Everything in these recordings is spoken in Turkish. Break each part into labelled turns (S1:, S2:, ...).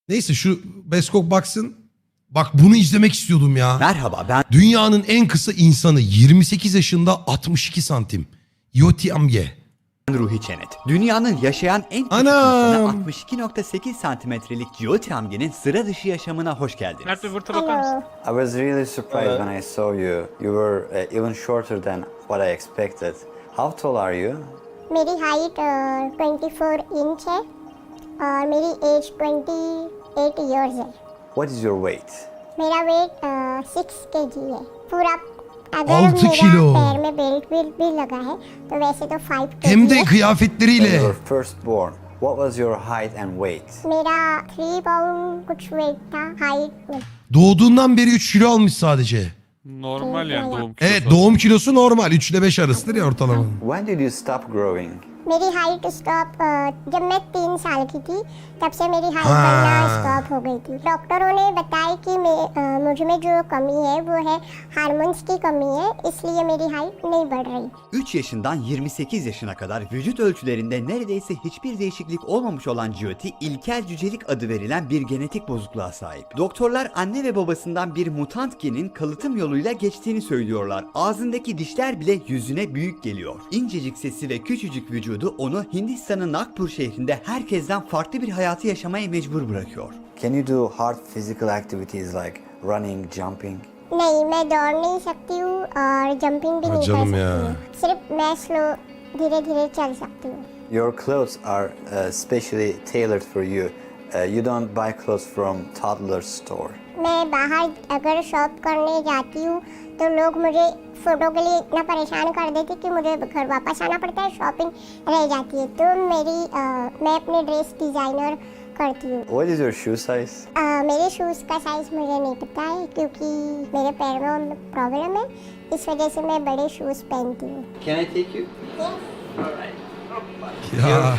S1: Neyse şu Beskok baksın. Bak bunu izlemek istiyordum ya.
S2: Merhaba, ben
S1: Dünyanın en kısa insanı 28 yaşında 62 santim. Yoti Amge.
S2: Ruhi Çenet. Dünyanın yaşayan en küçük
S1: Anam.
S2: insanı 62.8 santimetrelik Jyoti Amge'nin sıra dışı yaşamına hoş geldiniz.
S3: Mert bir vırta bakar mısın?
S4: I was really surprised when I saw you. You were even shorter than what I expected. How tall are you?
S5: मेरी height 24 inch है और मेरी age 28 years है।
S4: What is your weight?
S5: मेरा weight 6 KG है। पूरा अगर
S1: 6
S5: मेरा
S1: किलो।
S5: पैर में बेल्ट भी लगा है तो वैसे तो 5
S1: Hem
S5: केजी
S1: de
S5: है।
S4: When
S1: kıyafetleriyle.
S4: you were first born, what was your height and weight?
S5: मेरा 3 पाउंड कुछ वेट था height.
S1: Doğduğundan beri 3 kilo almış sadece.
S3: Normal yani doğum kilosu.
S1: Evet doğum kilosu normal. 3 ile 5 arasıdır ya ortalama.
S4: When did you stop growing?
S5: मेरी height stop जब मैं 3 साल की थी तब से मेरी हाइट
S1: हाँ।
S5: बढ़ना स्टॉप हो गई थी। डॉक्टरों ने बताया कि मुझ में जो कमी है वो है हार्मोन्स की कमी है, इसलिए मेरी हाइट नहीं बढ़ रही।
S2: 3 yaşından 28 yaşına kadar vücut ölçülerinde neredeyse hiçbir değişiklik olmamış olan Jyoti, ilkel cücelik adı verilen bir genetik bozukluğa sahip. Doktorlar anne ve babasından bir mutant genin kalıtım yoluyla geçtiğini söylüyorlar. Ağzındaki dişler bile yüzüne büyük geliyor. İncecik sesi ve küçücük vücudu onu Hindistan'ın Nagpur şehrinde herkesten farklı bir hayatı yaşamaya mecbur bırakıyor.
S4: Can you do hard physical activities like running, jumping?
S5: नहीं, मैं दौड़ नहीं सकती हूँ और जंपिंग भी नहीं कर
S1: जन्म
S5: सकती
S1: यार।
S5: हूँ। सिर्फ मैं स्लो धीरे धीरे चल सकती हूँ।
S4: Your clothes are specially tailored for you. You don't buy clothes from toddler store.
S5: मैं बाहर अगर शॉप करने जाती हूँ तो लोग मुझे फ़ोटो के लिए इतना परेशान कर देते कि मुझे घर वापस आना पड़ता है, शॉपिंग रह जाती है। तो मैं अपने ड्रेस डिज़ाइनर करती हूँ।
S4: What is your shoe size?
S5: मेरे शूज़ का साइज़ मुझे नहीं पता है क्योंकि मेरे पैर में प्रॉब्लम है, इस वजह से मैं बड़े शूज़ पहनती हूँ।
S4: Can I take you?
S1: Ya.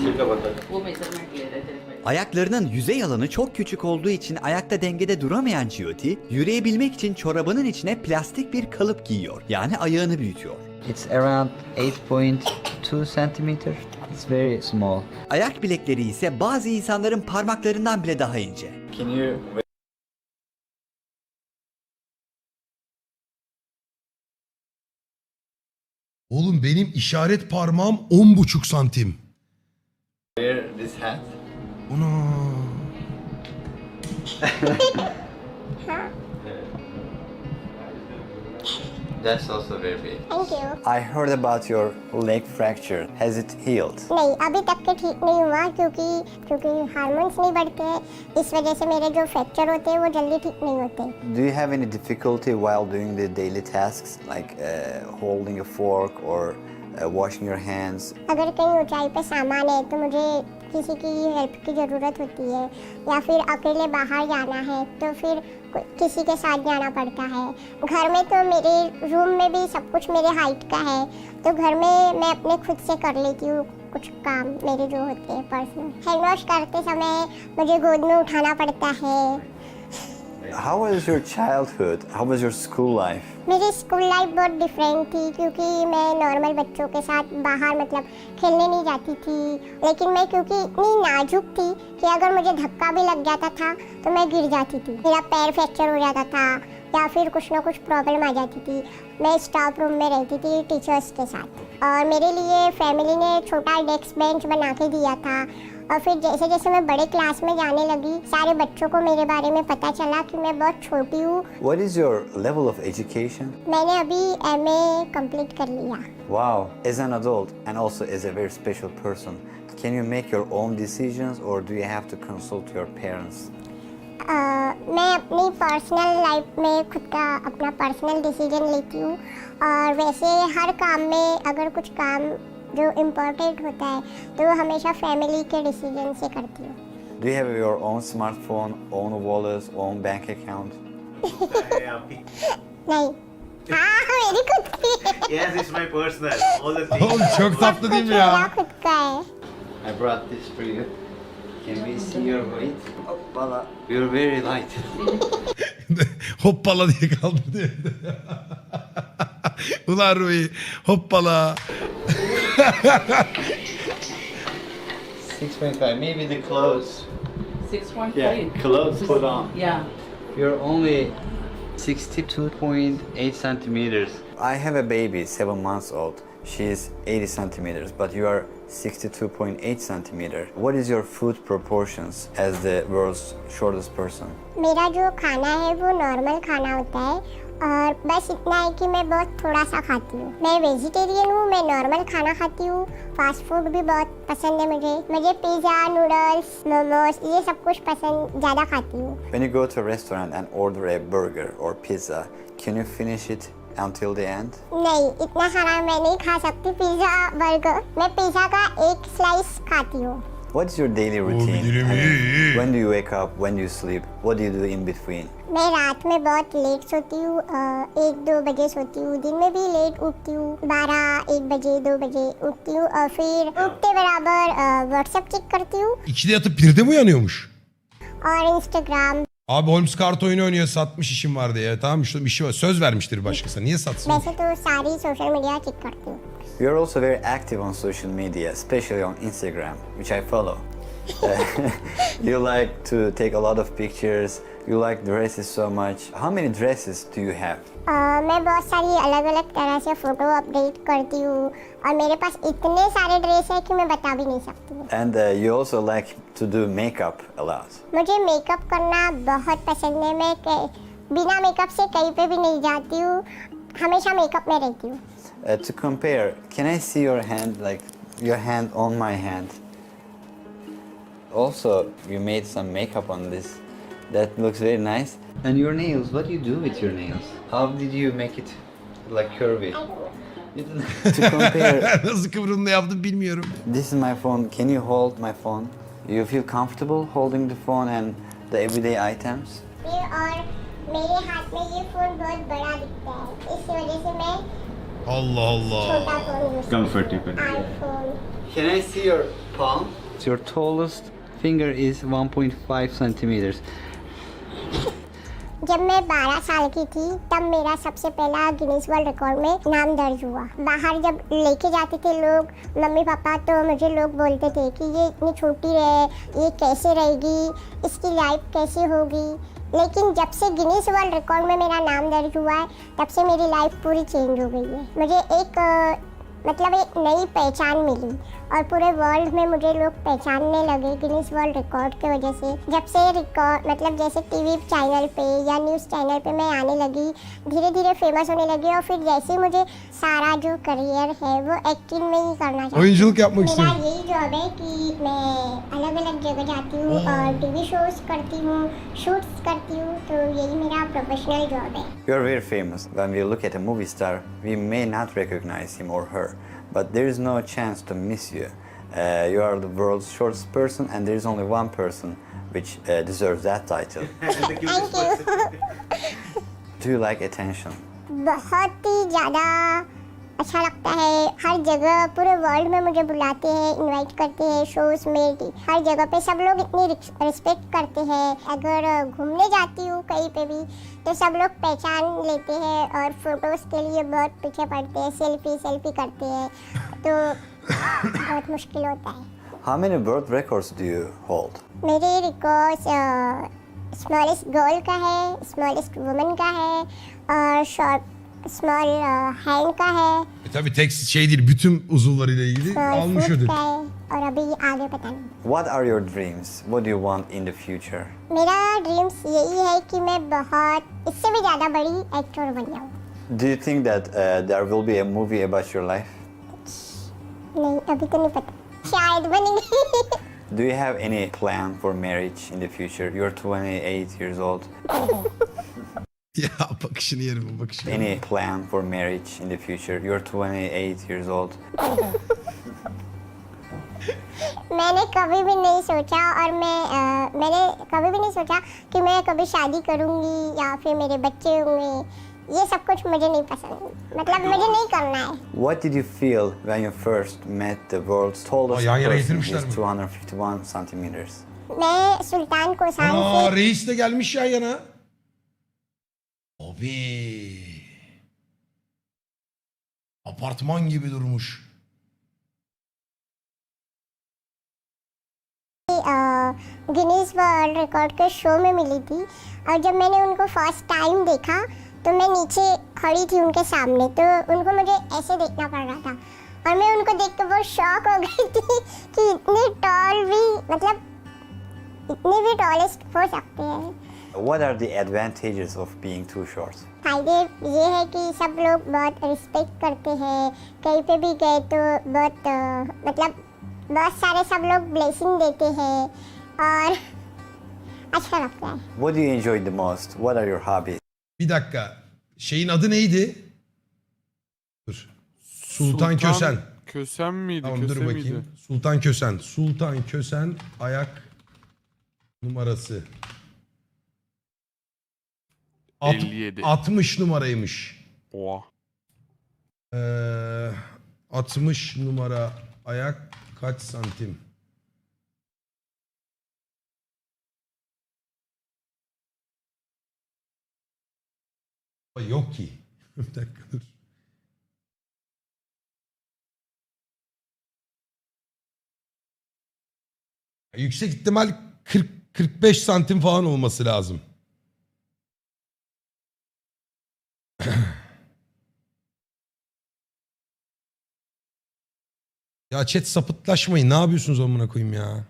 S2: Ayaklarının yüzey alanı çok küçük olduğu için ayakta dengede duramayan Jyoti, yürüyebilmek için çorabının içine plastik bir kalıp giyiyor. Yani ayağını büyütüyor.
S6: It's around 8.2 centimeter. It's very small.
S2: Ayak bilekleri ise bazı insanların parmaklarından bile daha ince.
S4: Can you?
S1: Oğlum benim işaret parmağım 10,5 santim.
S4: Wear this hat.
S1: Ana.
S4: That's also very big.
S5: Thank you.
S4: I heard about your leg fracture. Has it healed?
S5: नहीं, अभी तक के ठीक नहीं हुआ क्योंकि हार्मोन्स नहीं बढ़ते हैं, इस वजह से मेरे जो फ्रैक्चर होते हैं वो जल्दी ठीक नहीं होते।
S4: Do you have any difficulty while doing the daily tasks like holding a fork or washing your hands?
S5: अगर कहीं ऊंचाई पे सामान है तो मुझे किसी की हेल्प की ज़रूरत होती है, या फिर अकेले बाहर जाना है तो फिर किसी के साथ जाना पड़ता है। घर में तो मेरे रूम में भी सब कुछ मेरे हाइट का है, तो घर में मैं अपने खुद से कर लेती हूँ कुछ काम मेरे जो होते हैं पर्सनल। हैंड वॉश करते समय मुझे गोद में उठाना पड़ता है।
S4: How was your childhood? How was your school life?
S5: मेरी स्कूल लाइफ बहुत डिफरेंट थी क्योंकि मैं नॉर्मल बच्चों के साथ बाहर मतलब खेलने नहीं जाती थी, लेकिन मैं क्योंकि इतनी नाजुक थी कि अगर मुझे धक्का भी लग जाता था तो मैं गिर जाती थी, मेरा पैर फ्रैक्चर हो जाता था या फिर कुछ ना कुछ प्रॉब्लम आ जाती थी। मैं स्टाफ रूम में रहती थी टीचर्स के साथ और मेरे लिए फैमिली ने छोटा डेस्क बेंच बना के दिया था। और फिर जैसे जैसे मैं बड़े क्लास में जाने लगी, सारे बच्चों को मेरे बारे में पता चला कि मैं बहुत छोटी हूँ।
S4: What is your level of education?
S5: मैंने अभी MA कंप्लीट कर लिया।
S4: Wow, as an adult and also as a very special person, can you make your own decisions or do you have to consult your parents?
S5: मैं अपनी personal life में खुद का अपना पर्सनल डिसीजन लेती हूँ और वैसे हर काम में अगर कुछ काम जो इम्पोर्टेंट होता है तो वो हमेशा फैमिली के डिसीजन से करती हूँ।
S4: Do you have your own smartphone, own wallet, own bank account?
S5: नहीं, हाँ मेरी खुद की है।
S7: Yes, it's my personal. All the things.
S1: Oğlum çok tatlı değil mi
S5: मेरा
S1: ya?
S5: खुद का है।
S4: I brought this for you. Can we see your weight? Hoppala. You're very light.
S1: Hoppala diye kaldırdı. Ulan Rui hoppala.
S4: 6.5, maybe the clothes.
S8: 6.5.
S4: Yeah, clothes put on.
S8: Yeah.
S4: You're only 62.8 centimeters. I have a baby, 7 months old. She's 80 centimeters, but you are 62.8 centimeter. What is your food proportions as the world's shortest person?
S5: मेरा जो खाना है वो नॉर्मल खाना होता है और बस इतना है कि मैं बहुत थोड़ा सा खाती हूँ। मैं वेजिटेरियन हूँ, मैं नॉर्मल खाना खाती हूँ। फास्ट फूड भी बहुत पसंद है मुझे पिज़्ज़ा, नूडल्स, मोमोज ये सब कुछ पसंद ज़्यादा खाती हूँ।
S4: When you go to a restaurant and order a burger or pizza, can you finish it until the end?
S5: नहीं, इतना सारा मैं नहीं खा सकती पिज़्ज़ा बर्गर। मैं पिज़्ज़ा का एक स्लाइस खाती हूँ।
S4: What is your daily routine?
S1: bilirim,
S4: I mean,
S1: iyi.
S4: when do you wake up? When do you sleep? What do you do in between?
S5: मैं रात में बहुत लेट सोती हूँ, 1-2 बजे सोती हूँ। दिन में भी लेट उठती हूँ, 12-1 बजे 2 बजे उठती हूँ और फिर उठते बराबर व्हाट्सएप चेक करती हूँ
S1: 2'de yatıp 1'de mi uyanıyormuş?
S5: और Instagram.
S1: Abi Holmes kart oyunu oynuyor, satmış işim var diye. Tamam işte işi var. Söz vermiştir başkasına. Niye satsın?
S5: वैसे तो सारी सोशल मीडिया चेक करती हूँ।
S4: You're also very active on social media, especially on Instagram, which I follow. You like to take a lot of pictures. You like dresses so much. How many dresses do you have?
S5: मैं बहुत सारी अलग अलग तरह से photo update करती हूँ और मेरे पास इतने सारे ड्रेस है कि मैं बता भी नहीं सकती।
S4: And you also like to do makeup a lot.
S5: मुझे मेकअप करना बहुत पसंद है। मैं बिना मेकअप से कहीं पे भी नहीं जाती हूँ, हमेशा मेकअप में रहती हूँ।
S4: To compare, can I see your hand, like your hand on my hand? Also, you made some makeup on this. That looks very nice. And your nails, what do you do with your nails? How did you make it like curvy? To compare,
S1: Nasıl kıvrımla yaptım bilmiyorum.
S4: this is my phone. Can you hold my phone? You feel comfortable holding the phone and the everyday items?
S5: और मेरे हाथ में ये फोन बहुत बड़ा दिखता है, इस वजह से मैं
S1: Allah Allah.
S5: छोटा phone use
S7: Comfortable.
S5: IPhone.
S4: Can I see your palm? Your tallest finger is 1.5 centimeters.
S5: जब मैं 12 साल की थी तब मेरा सबसे पहला गिनीज वर्ल्ड रिकॉर्ड में नाम दर्ज हुआ। बाहर जब लेके जाते थे लोग मम्मी पापा तो मुझे लोग बोलते थे कि ये इतनी छोटी है, ये कैसे रहेगी, इसकी लाइफ कैसे होगी। लेकिन जब से गिनीज वर्ल्ड रिकॉर्ड में मेरा नाम दर्ज हुआ है तब से मेरी लाइफ पूरी चेंज हो गई है। मुझे एक एक नई पहचान मिली और पूरे वर्ल्ड में मुझे लोग पहचानने लगे गिनीज वर्ल्ड रिकॉर्ड की वजह से। जब से रिकॉर्ड जैसे टीवी चैनल पे या न्यूज़ चैनल पे मैं आने लगी, धीरे धीरे फेमस होने लगी और फिर जैसे मुझे सारा जो करियर है वो एक्टिंग में ही करना चाहती हूँ।
S1: Oyunculuk yapmak
S5: मेरा
S1: istiyorum.
S5: यही जॉब है कि मैं अलग अलग जगह जाती हूँ और टीवी शोज करती हूँ, शूट्स करती हूँ, तो यही मेरा प्रोफेशनल जॉब है।
S4: You are very famous. When we look at a movie star, we may not recognize him or her, but there is no chance to miss you. You are the world's shortest person, and there is only one person which deserves that title.
S5: Thank you.
S4: Do you like attention?
S5: बहुत ही ज़्यादा अच्छा लगता है। हर जगह पूरे वर्ल्ड में मुझे बुलाते हैं, इनवाइट करते हैं शोज में, हर जगह पे सब लोग इतनी रिस्पेक्ट करते हैं। अगर घूमने जाती हूँ कहीं पे भी तो सब लोग पहचान लेते हैं और फोटोज़ के लिए बहुत पीछे पड़ते हैं, सेल्फी करते हैं, तो बहुत मुश्किल होता है।
S4: How many world records do you hold?
S5: मेरे रिकॉर्ड्स स्मॉलेस्ट गर्ल का है, स्मॉलेस्ट वुमन का है और स्मॉल हैंड का है,
S1: Tabii tek şey değil, bütün uzuvlarıyla ilgili
S5: small
S1: almış
S5: foot
S1: ödül.
S5: का है और अभी आगे पता नहीं।
S4: What are your dreams? What do you want in the future?
S5: मेरा ड्रीम्स यही है कि मैं बहुत इससे भी ज़्यादा बड़ी एक्टर बन जाऊँ।
S4: Do you think that there will be a movie about your life?
S5: नहीं, अभी तो नहीं पता, शायद बनेगी।
S4: Do you have any plan for marriage in the future? You're 28 years old.
S1: Ya bakışını yerim o bakışını.
S4: Any plan for marriage in the future? You're 28 years old.
S5: मैंने कभी भी नहीं सोचा और मैंने कभी भी नहीं सोचा कि मैं कभी शादी करूँगी या फिर मेरे बच्चे होंगे। ये सब कुछ मुझे नहीं पसंद, मुझे नहीं करना है।
S4: What did you feel when you first met the world's tallest
S1: yan yana
S4: person?
S1: getirmişler
S4: He's
S1: mi?
S4: 251 centimeters.
S5: मैं सुल्तान कोसान
S1: Aa
S5: से
S1: reis de gelmiş yan yana. Abi. Apartman gibi durmuş.
S5: Guinness world record के show में मिली थी और जब मैंने उनको फर्स्ट टाइम देखा तो मैं नीचे खड़ी थी उनके सामने, तो उनको मुझे ऐसे देखना पड़ रहा था और मैं उनको देख के बहुत शॉक हो गई थी कि इतने टॉल भी, मतलब इतने भी टॉलेस्ट हो सकते हैं।
S4: What are the advantages of being too short?
S5: फायदे ये है कि सब लोग बहुत रिस्पेक्ट करते हैं, कहीं पे भी गए तो बहुत मतलब बहुत सारे सब लोग ब्लेसिंग देते हैं और अच्छा लगता है।
S4: What do you enjoy the most? What are your hobbies?
S1: Bir dakika. Şeyin adı neydi? Dur. Sultan Kösen.
S3: Kösen miydi?
S1: Tamam
S3: Köse
S1: dur bakayım.
S3: miydi?
S1: Sultan Kösen. Sultan Kösen ayak numarası.
S3: 57.
S1: 60 numaraymış.
S3: Oha.
S1: 60 numara ayak kaç santim? Yok ki. Bir dakika dur. Yüksek ihtimal 40-45 santim falan olması lazım. Ya chat sapıtlaşmayın. Ne yapıyorsunuz amına koyayım ya?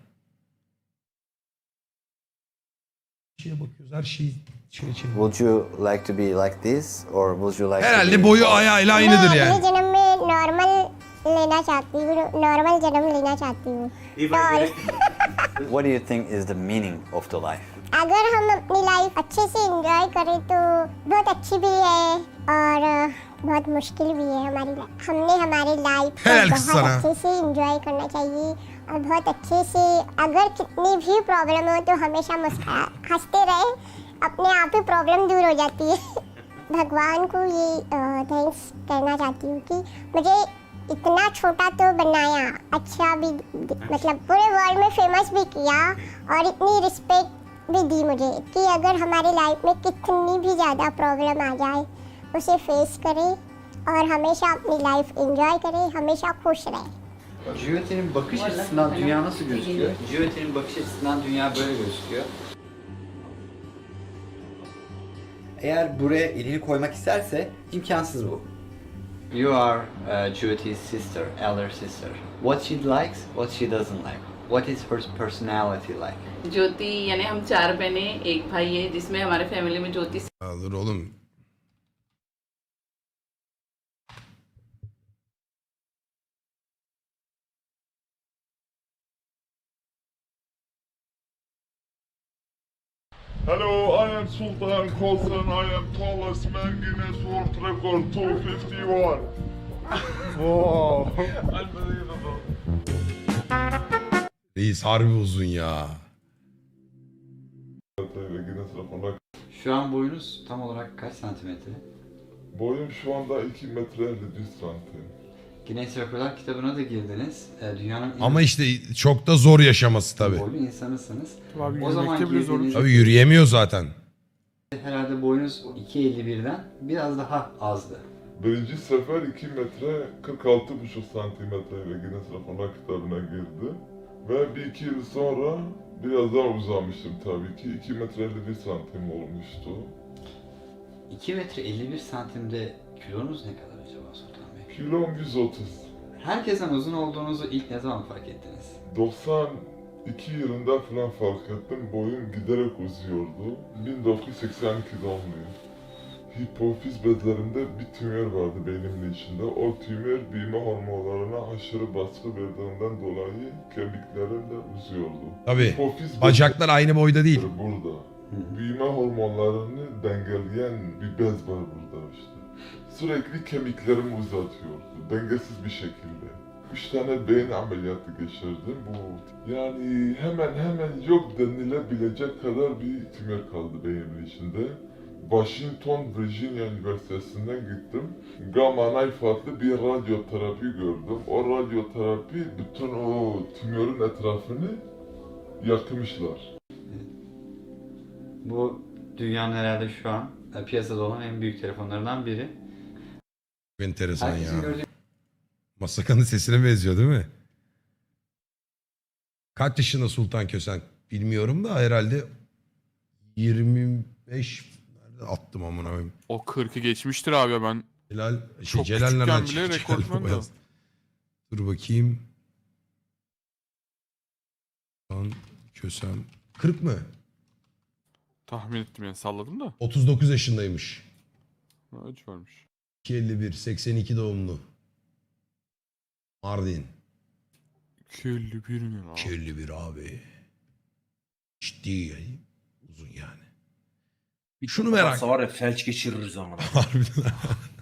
S1: Şeye bakıyoruz. Her şeyi şeye çeviriyoruz.
S4: Would you like to be like this or would you like to
S1: Herhalde
S4: be
S1: boyu ayağıyla
S5: मैं
S1: aynıdır
S5: अगले
S1: yani.
S5: जन्म में नॉर्मल लेना चाहती हूँ, नॉर्मल जन्म लेना चाहती हूँ।
S7: If I
S5: tall.
S7: get
S4: What do you think is the meaning of the life?
S5: अगर हम अपनी लाइफ अच्छे से एंजॉय करें तो बहुत अच्छी भी है और बहुत मुश्किल भी है हमारी लाइफ। हमने हमारी लाइफ को
S1: Helal
S5: बहुत
S1: sana.
S5: अच्छे से एंजॉय करना चाहिए और बहुत अच्छे से, अगर कितनी भी प्रॉब्लम हो तो हमेशा मुस्कुरा हंसते रहे, अपने आप ही प्रॉब्लम दूर हो जाती है। भगवान को ये थैंक्स कहना चाहती हूँ कि मुझे इतना छोटा तो बनाया, अच्छा भी मतलब पूरे वर्ल्ड में फेमस भी किया और इतनी रिस्पेक्ट भी दी मुझे कि अगर हमारी लाइफ में कितनी भी ज़्यादा प्रॉब्लम आ जाए उसे फेस करें और हमेशा अपनी लाइफ एंजॉय करें, हमेशा खुश रहें।
S6: Jyoti'nin bakış açısından dünya nasıl gözüküyor? Jyoti'nin bakış açısından dünya böyle gözüküyor.
S2: Eğer buraya elini koymak isterse imkansız bu.
S6: You are Jyoti's sister, elder sister. What she likes, what she doesn't like. What is her personality like?
S8: ज्योति यानी हम 4 बहनें एक भाई है, जिसमें हमारे फैमिली में ज्योति
S1: Ya dur oğlum.
S9: Hello, I am Sultan Kosan. I am tallest man Guinness World Record 251. Wow. Unbelievable.
S1: Reis harbi uzun ya.
S9: Guinness rekoruna
S6: Şu an boyunuz tam olarak kaç santimetre?
S9: boyum şu anda 2 metre 51 santim.
S6: Guinness Rekorlar kitabına da girdiniz. Dünyanın en
S1: Ama işte çok da zor yaşaması tabii.
S6: boylu insanısınız.
S3: Abi
S6: O zaman
S3: yürümekte bile zorluk
S6: girdiğinizde
S1: Tabii yürüyemiyor zaten.
S6: herhalde boyunuz 2.51'den biraz daha azdı.
S9: Birinci sefer 2 metre 46,5 santimetre ile Guinness Rekorlar kitabına girdi. Ve bir iki yıl sonra biraz daha uzamıştım tabii ki. 2 metre 51 santim olmuştu.
S6: 2 metre 51 santimde kilonuz ne kadar acaba Sultan Bey?
S9: Kilom 130.
S6: Herkesten uzun olduğunuzu ilk ne zaman fark ettiniz?
S9: 92 yılında falan fark ettim. Boyum giderek uzuyordu. 1982 doğumluyum. Hipofiz bezlerimde bir tümör vardı beynimin içinde. O tümör büyüme hormonlarına aşırı baskı verdiğinden dolayı kemiklerim de uzuyordu.
S1: Tabii.
S9: Hipofiz
S1: Bacaklar aynı boyda değil.
S9: bezleri burada. Büyüme hormonlarını dengeleyen bir bez var burada işte. Sürekli kemiklerimi uzatıyordu. Dengesiz bir şekilde. 3 tane beyin ameliyatı geçirdim. Bu yani hemen yok denilebilecek kadar bir tümör kaldı beynimin içinde. Washington, Virginia Üniversitesi'nden gittim. Gamma knife adlı bir radyoterapi gördüm. O radyoterapi bütün o tümörün etrafını yakmışlar.
S6: Bu dünyanın herhalde şu an piyasada olan en büyük telefonlarından biri.
S1: Enteresan
S6: Herkesin
S1: ya.
S6: gördüğü
S1: Masakanın sesine benziyor değil mi? Kaç yaşında Sultan Kösen bilmiyorum da herhalde 25 nerede attım amına koyayım.
S3: O 40'ı geçmiştir abi ya ben.
S1: Celal
S3: Çok
S1: Celal
S3: küçükken
S1: nereden
S3: bile
S1: çıktı? Celal
S3: rekortmen
S1: Baba
S3: de.
S1: yaz. Dur bakayım. Sultan Kösen 40 mı?
S3: Tahmin ettim yani salladım da.
S1: 39 yaşındaymış.
S3: Acı varmış.
S1: 251 82 doğumlu. Mardin.
S3: 51 mi lan?
S1: 251 abi. Ciddi yani. Uzun yani. Şunu merak.
S10: Var ya felç geçiririz ama.
S1: Harbiden.